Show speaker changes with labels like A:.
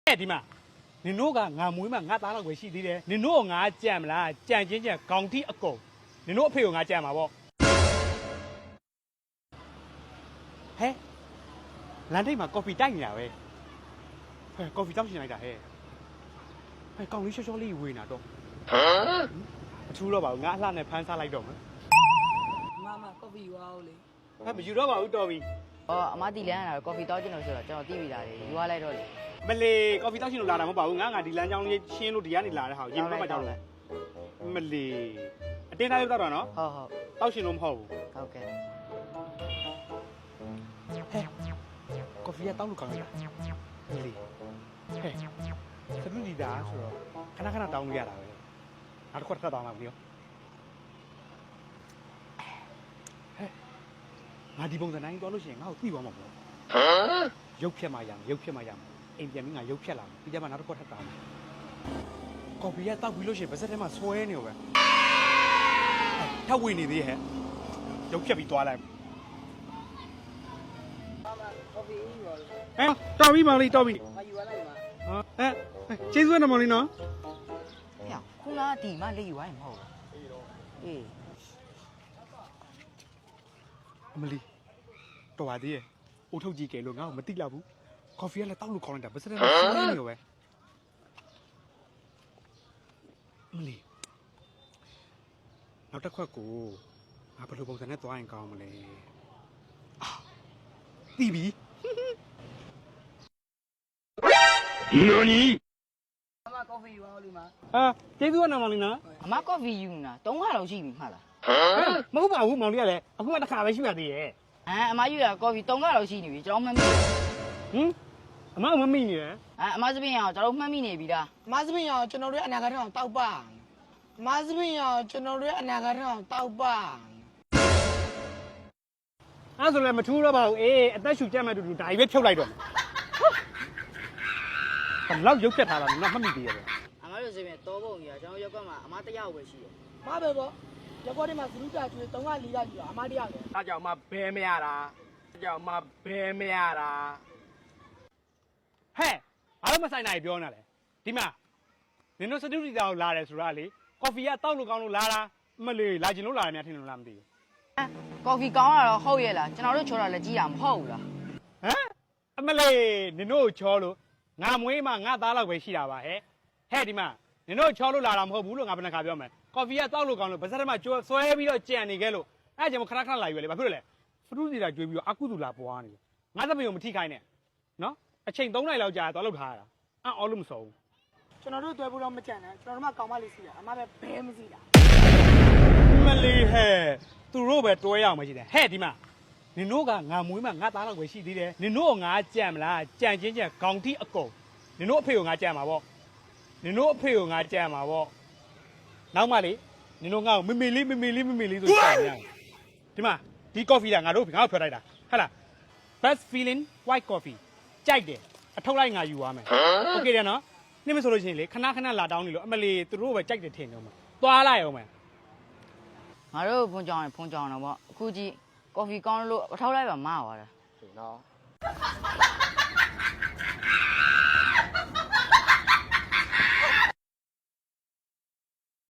A: ဒီမှာနင်တို့ကငါမွေးမှငါသားတော့ပဲရှိသေးတယ်နင်တို့ငါကြံမလားကြံချင်းခေါင်းထိအကုန်နင်တို့အဖေကိုငါကြံမှာပေါ့ဟဲ့လမ်းထိပ်မှာကော်ဖီတိုက်နေတာပဲဟဲ့ကော်ဖီတောက်ရှင်လိုက်တာဟဲ့ကောင်းလေးရှော့လေးဝေးနေတာတော့အထူးတော့ပါဘူးငါအလှနဲ့ဖမ်းစားလိုက်တော့မယ်
B: မကော်ဖီဝါဦးလေ
A: ဟဲ့မယူတော့ပါဘူးတော်ပြီ
C: အမတီလန်းရတာကော်ဖီတောက်ကျင်လို့ဆိုတော့ကျွန်တော်သိပြီလားလေယူရလိုက်တော့လေ
A: မလေးကော်ဖီတောက်ရှင်လို့လာတာမဟုတ်ပါဘူးငါဒီလမ်းကြောင်းလေးရှင်းလို့ဒီကနေလာတဲ့ဟာကိုရင်မကြောက်လို့မလေးအတင်းသားရုပ်တော့နော်
C: ဟုတ်
A: တောက်ရှင်လို့မဟုတ်ဘူး
C: ဟုတ်ကဲ့
A: ဟဲ့ကော်ဖီကတောက်လို့ကောင်းလားမလေးဟဲ့စနူဒီတာဆိုတော့ခဏတောင်းလို့ရတာပဲနောက်တစ်ခွက်ထပ်တောင်းလာပြီရောငါဒီပုံစံတိုင်းသွားလို့ရှိရင်ငါ့ကိုသိသွားမှာပေါ့ရုပ်ဖြတ်မှရမယ်အိမ်ပြန်ပြီးငါရုပ်ဖြတ်လာမယ်ပြီးကြမှာနောက်တစ်ခွက်ထပ်တောင်းကော်ဖီကတောက်ပြီးလို့ရှိရင်ဗစက်ထဲမှာဆွဲနေရောပဲထပ်ဝင်နေသေးဟဲ့ရုပ်ဖြတ်ပြီးသွားလိုက်
B: ကော်ဖီယူပါလို့
A: တော်ပြီမောင်လေးတော်ပြီ
B: ငါယူရလိုက်ပါ
A: ကျေးဇူးတော်မောင်လေးနော်
C: ဟဲ့ခုနကဒီမှလေးယူရရင်မဟုတ်ဘူးအေး
A: အမလီတော်ပါသေးရဲ့အိုးထုတ်ကြည့်ကြလို့ငါ့ကိုမသိလောက်ဘူးကော်ဖီကလည်းတောက်လို့ခေါင်းလိုက်တာဗစက်ထဲမှာဆွဲနေရောပဲအမလီနောက်တစ်ခွက်ကိုငါဘယ်လိုပုံစံနဲ့သွားရင်ကောင်းမလဲသိပြီ
B: 何ကော်ဖီယူပါဦးလေ
A: ကျေးဇူးတော်မောင်လေးနော်
C: အမကော်ဖီယူနေတာ3ခါလောက်ရှိပြီမှတ်လား
A: မဟုတ်ပါဘူးမောင်လေးကလည်းအခုမှတစ်ခါပဲရှိပါသေးရဲ့
C: အမယူတာကော်ဖီ3ခါလောက်ရှိနေပြီကျွန်တော်မှတ်မိ
A: အမမမိနေတယ်
C: အမစပင်းအောင်ကျွန်တော်မှတ်မိနေပြီလား
B: မစပင်းရောကျွန်တော်တို့အနာဂတ်ထောင်တောက်ပါမစပင်းရောကျွန်တော်တို့အနာဂတ်ထောင်တောက်ပါ
A: အဲ့ဆိုလည်းမထူးတော့ပါဘူးအသက်ရှူကြက်မဲ့တူဒါကြီးပဲဖြုတ်လိုက်တော့မယ်ဘလောက်ရုပ်ဖြတ်ထားတာငါမှတ်မိသေးရဲ့
C: အမတို့စပင်းတောပုံကြီးကကျွန်တော်ရောက်ကွက်မှာအမတစ်ယောက်ပဲရှိတယ်
B: မပဲပေါ့ရက်ကွက်ထဲမှာသလူတာကျွေး3က4ကယူတာအမတယောက်ပဲ
A: အားကြောင့်မှဘဲမရတာကြောင့်မှဘဲမရတာဟဲ့ဘာလို့မဆိုင်နိုင်ပြောနေလဲဒီမှာနင်တို့စတူဒီတာကိုလာတယ်ဆိုတာလေကော်ဖီကတောက်လို့ကောင်းလို့လာတာမလေးလာကျင်လို့လာတယ်များထင်လို့လားမသိဘူး
C: ကော်ဖီကောင်းတာတော့ဟုတ်ရဲ့လားကျွန်တော်တို့ချောတာလည်းကြည့်တာမဟုတ်ဘူးလား
A: အမလေးနင်တို့ချောလို့ငါမွေးမှငါသားလောက်ပဲရှိတာပါဟဲ့ဒီမှာနင်တို့ချောလို့လာတာမဟုတ်ဘူးလို့ငါဘယ်နှခါပြောမယ်ကော်ဖီကတောက်လို့ကောင်းလို့ဗစက်ထဲမှာဆွဲပြီးတော့ကြံနေခဲ့လို့အဲ့ကြောင့်ခဏလာယူရလေဘာဖြစ်လို့လဲဖရူးစီတာကျွေးပြီးတော့အကုသူလာပွားနေတယ်ငါသမီးကိုမထိခိုင်းနဲ့နော်အချိန်3နိုင်လောက်ကြာသွားလောက်ထားရတာအော်လို့မစောဘူး
B: ကျွန်တော်တို့တွေ့ဖို့တော့မကြံနဲ့ကျွန်တော်တို့မှကောင်းမလေးစီတာအမပဲဘဲမစီတာ
A: မလေးဟဲ့သူတို့ပဲတွဲရအောင်မရှိတယ်ဟဲ့ဒီမှာနင်တို့ကငါမွေးမှငါသားတော့ပဲရှိသေးတယ်နင်တို့ငါကြံမလားကြံချင်းခေါင်းထိအကုန်နင်တို့အဖေကိုငါကြံမှာပေါ့နင်တို့အဖေကိုငါကြံမှာပေါ့နောက်မှလေနင်တို့ငါ့ကိုမေမေလေးဆိုကြံနေရတယ်ဒီမှာဒီကော်ဖီကငါတို့ထွက်လိုက်တာဟဲ့လား best feeling white coffee ကြိုက်တယ်အထုတ်လိုက်ငါယူသွားမယ်โอเคတယ်နော်နှိမ့်မဆိုလို့ရှိရင်လေခဏလာတောင်းနေလို့အမလီသူတို့ပဲကြိုက်တယ်ထင်တော့မှာသွားလိုက်အောင်မယ်
C: ငါတို့ဖုန်းကြောင်တော့ပေါ့အခုကြည့်ကော်ဖီကောင်းလို့အထောက်လိုက်ပါမသွားတာ
A: နော်